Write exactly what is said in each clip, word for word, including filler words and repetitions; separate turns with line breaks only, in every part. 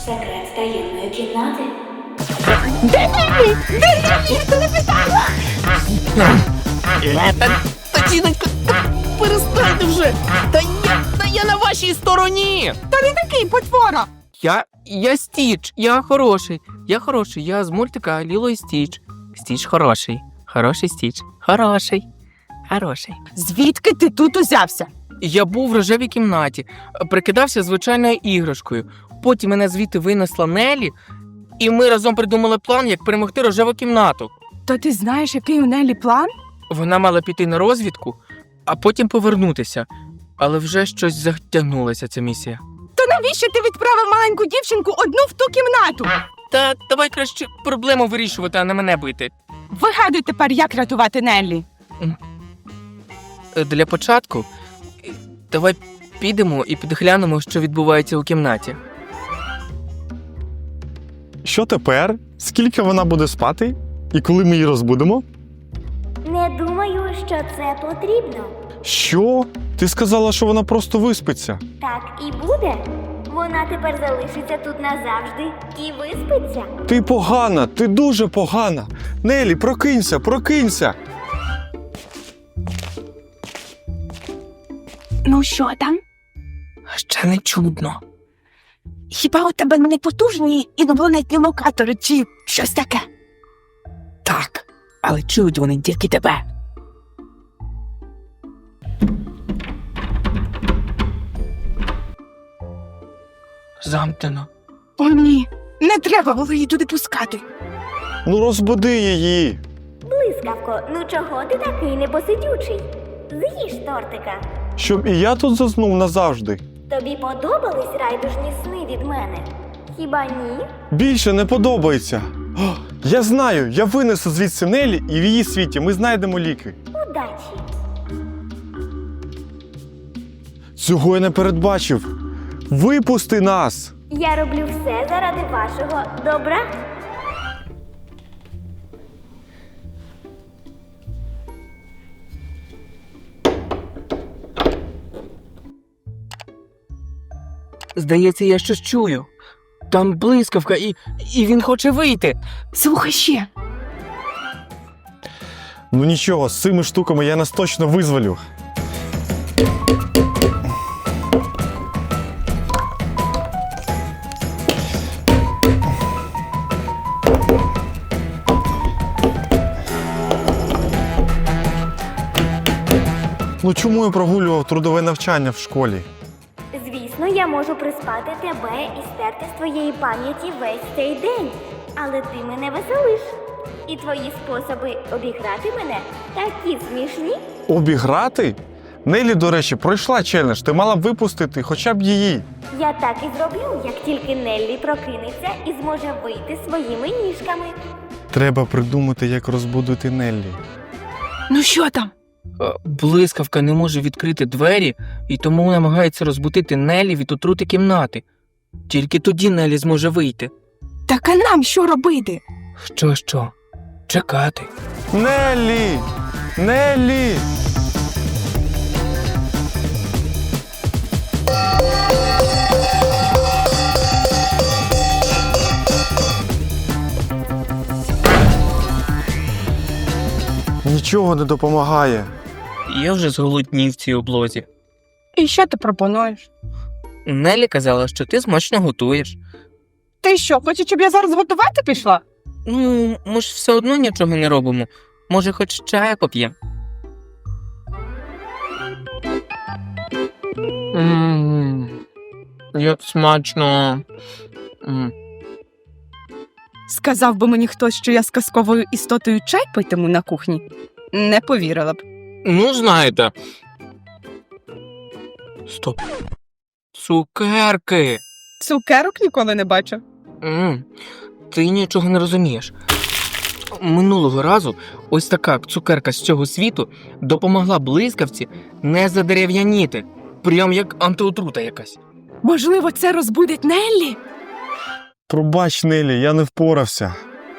Секрет таємної кімнати.
Де Неллі? Де Неллі? Я тебе питала!
Та, жіночко, та перестаньте вже! Та я, та я на вашій стороні!
Та не такий потвора!
Я, я Стіч, я хороший. Я хороший, я з мультика Ліло і Стіч. Стіч хороший. Хороший Стіч. Хороший. Хороший.
Звідки ти тут узявся?
Я був в рожевій кімнаті, прикидався звичайною іграшкою. Потім мене звідти винесла Неллі, і ми разом придумали план, як перемогти рожеву кімнату.
То ти знаєш, який у Неллі план?
Вона мала піти на розвідку, а потім повернутися. Але вже щось затягнулася ця місія.
То навіщо ти відправив маленьку дівчинку одну в ту кімнату?
Та давай краще проблему вирішувати, а не мене бити.
Вигадуй тепер, як рятувати Неллі.
Е, Для початку, е, давай підемо і підглянемо, що відбувається у кімнаті.
Що тепер? Скільки вона буде спати? І коли ми її розбудемо?
Не думаю, що це потрібно.
Що? Ти сказала, що вона просто виспиться.
Так і буде. Вона тепер залишиться тут назавжди і виспиться.
Ти погана, ти дуже погана. Нелі, прокинься, прокинься.
Ну що там?
Ще не чудно.
Хіба у тебе не потужні інопланетні локатори чи щось таке?
Так, але чують вони тільки тебе. Замкнено.
О, ні, не треба було її туди пускати.
Ну розбуди її.
Блискавко, ну чого ти такий непосидючий? З'їж тортика.
Щоб і я тут заснув назавжди.
Тобі подобались райдужні сни від мене? Хіба ні?
Більше не подобається. О, я знаю, я винесу звідси Нелі, і в її світі ми знайдемо ліки.
Удачі!
Цього я не передбачив. Випусти нас!
Я роблю все заради вашого добра.
Здається, я щось чую. Там блискавка, і, і він хоче вийти.
Слухай ще.
Ну нічого, з цими штуками я нас точно визволю. Ну чому я прогулював трудове навчання в школі?
Звісно, я можу приспати тебе і стерти з твоєї пам'яті весь цей день. Але ти мене веселиш. І твої способи обіграти мене такі смішні.
Обіграти? Нелі, до речі, пройшла челендж, ти мала б випустити хоча б її.
Я так і зроблю, як тільки Неллі прокинеться і зможе вийти своїми ніжками.
Треба придумати, як розбудити Неллі.
Ну що там?
Е, Блискавка не може відкрити двері, і тому намагається розбудити Неллі від отрути кімнати. Тільки тоді Неллі зможе вийти.
Так а нам що робити?
Що, що? Чекати.
Неллі! Неллі! Нічого не допомагає.
Я вже зголоднів в цій облозі.
І що ти пропонуєш?
Неллі казала, що ти смачно готуєш.
Ти що, хочеш, щоб я зараз готувати пішла?
Ну, ми ж все одно нічого не робимо. Може, хоч чаю поп'ємо? Ммм, як смачно. М.
Сказав би мені хтось, що я з казковою істотою чай питиму на кухні. Не повірила б.
Ну, знаєте. Стоп. Цукерки.
Цукерок ніколи не бачив.
М, Ти нічого не розумієш. Минулого разу ось така цукерка з цього світу допомогла блискавці не задерев'яніти. Прям як антиотрута якась.
Можливо, це розбудить Неллі?
Пробач, Неллі, я не впорався.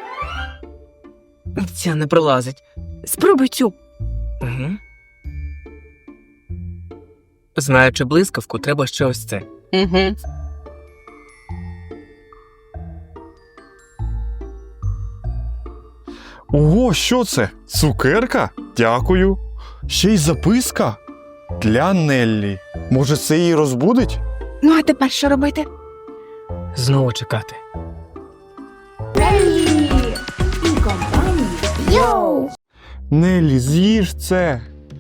Ця не прилазить.
Спробуй цю.
Угу. Знаючи блискавку, треба ще ось це.
Угу.
Ого, що це? Цукерка? Дякую. Ще й записка? Для Неллі. Може, це її розбудить?
Ну, а тепер що робити?
Знову чекати.
Йоу!
Неллі, з'їж це.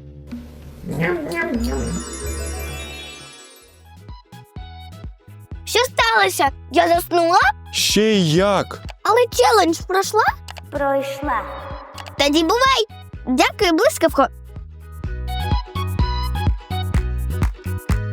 Що сталося? Я заснула?
Ще й як?
Але челендж пройшла? Пройшла. Тоді бувай! Дякую, блискавко.